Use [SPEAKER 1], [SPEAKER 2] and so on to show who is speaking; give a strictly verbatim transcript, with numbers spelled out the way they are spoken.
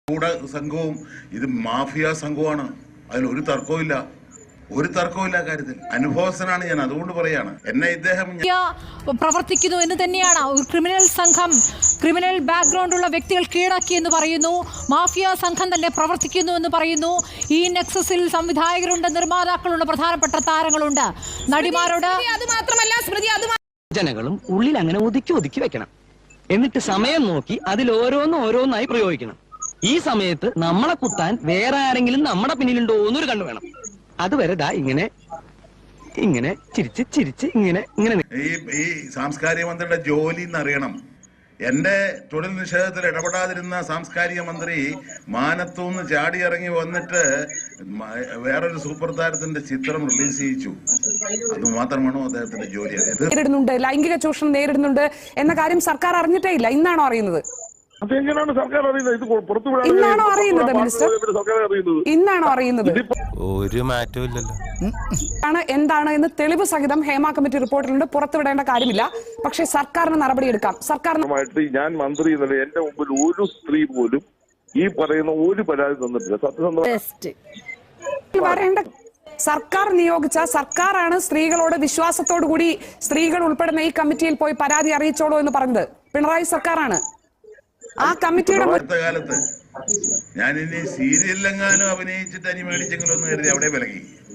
[SPEAKER 1] സംഘവും ഇത് മാഫിയ സംഘവുമാണ്. അതിലൊരു തർക്കവുമില്ല, ഒരു തർക്കവുമില്ല കാര്യത്തിൽ. അനുഭവസ്ഥനാണ് ഞാൻ, അതുകൊണ്ട് പറയാണ് എന്നെ ഇദ്ദേഹം
[SPEAKER 2] പ്രവർത്തിക്കുന്നു എന്ന് തന്നെയാണ്. ഒരു ക്രിമിനൽ സംഘം, ക്രിമിനൽ ബാക്ക്ഗ്രൗണ്ട് ഉള്ള വ്യക്തികൾ കീഴടക്കി എന്ന് പറയുന്നു. മാഫിയ സംഘം തന്നെ പ്രവർത്തിക്കുന്നു എന്ന് പറയുന്നു. ഈ നെക്സസിൽ സംവിധായകരുണ്ട്, നിർമ്മാതാക്കളുണ്ട്, പ്രധാനപ്പെട്ട താരങ്ങളുണ്ട്, നടിമാരോട്.
[SPEAKER 3] അത് മാത്രമല്ല സ്മൃതി, അത്
[SPEAKER 4] ജനങ്ങളും ഉള്ളിൽ അങ്ങനെ ഒതുക്കി ഒതുക്കി വെക്കണം. എന്നിട്ട് സമയം നോക്കി അതിൽ ഓരോന്നും ഓരോന്നായി പ്രയോഗിക്കണം. ഈ സമയത്ത് നമ്മളെ കുത്താൻ വേറെ ആരെങ്കിലും നമ്മുടെ പിന്നിലുണ്ടോ എന്നൊരു കണ്ണു വേണം. അതുവരെ ദാ ഇങ്ങനെ ഇങ്ങനെ ചിരിച്ച് ചിരിച്ച് ഇങ്ങനെ ഇങ്ങനെ.
[SPEAKER 1] ഈ ഈ സാംസ്കാരിക മന്ത്രിയുടെ ജോലി എന്നറിയണം. എന്റെ തൊഴിൽ നിഷേധത്തിൽ ഇടപെടാതിരുന്ന സാംസ്കാരിക മന്ത്രി മാനത്തൂന്ന് ചാടി ഇറങ്ങി വന്നിട്ട് വേറൊരു സൂപ്പർ താരത്തിന്റെ ചിത്രം റിലീസ് ചെയ്യിച്ചു. അത് മാത്രമാണോ അദ്ദേഹത്തിന്റെ ജോലി?
[SPEAKER 3] നേരിടുന്നുണ്ട്, ലൈംഗിക ചൂഷണം നേരിടുന്നുണ്ട് എന്ന കാര്യം സർക്കാർ അറിഞ്ഞിട്ടേ ഇല്ല. ഇന്നാണോ അറിയുന്നത്?
[SPEAKER 5] അതെങ്ങനെയാണ് സർക്കാർ അറിയുന്നത്? ഇത് പുറത്തുവിടാൻ
[SPEAKER 3] ഇന്നാണോ അറിയുന്നത് മിനിസ്റ്റർ? ഇന്നാണോ അറിയുന്നത്?
[SPEAKER 6] ഒരു മാറ്റവും ഇല്ലല്ലോ.
[SPEAKER 3] ആണ് എന്താണ് എന്ന് തെളിവ് സഹിതം ഹേമ കമ്മിറ്റി റിപ്പോർട്ടിലുണ്ട്. പുറത്തുവിടേണ്ട കാര്യമില്ല. പക്ഷേ സർക്കാരിന് നടപടിയെടുക്കാം. സർക്കാരിന്
[SPEAKER 5] ഞാൻ മന്ത്രി എന്നല്ല, എന്റെ മുമ്പിൽ ഒരു സ്ത്രീ പോലും ഈ പറയുന്ന ഒരു പരാതി തന്നിട്ടില്ല. സത്യസന്ധമായി
[SPEAKER 3] വരേണ്ട സർക്കാർ നിയോഗിച്ച സർക്കാരാണ് സ്ത്രീകളോട് വിശ്വാസത്തോടു കൂടി സ്ത്രീകൾ ഉൾപ്പെടുന്ന ഈ കമ്മിറ്റിയിൽ പോയി പരാതി അറിയിച്ചോളൂ എന്ന് പറഞ്ഞത് പിണറായി സർക്കാരാണ്. ആ കമ്മിറ്റിയുടെ
[SPEAKER 1] കാലത്ത് ഞാൻ ഇനി സീരിയലിലെങ്ങാനും അഭിനയിച്ചിട്ട് അനി മേടിച്ചെങ്കിലും ഒന്ന് കരുതി അവിടെ വിലകി.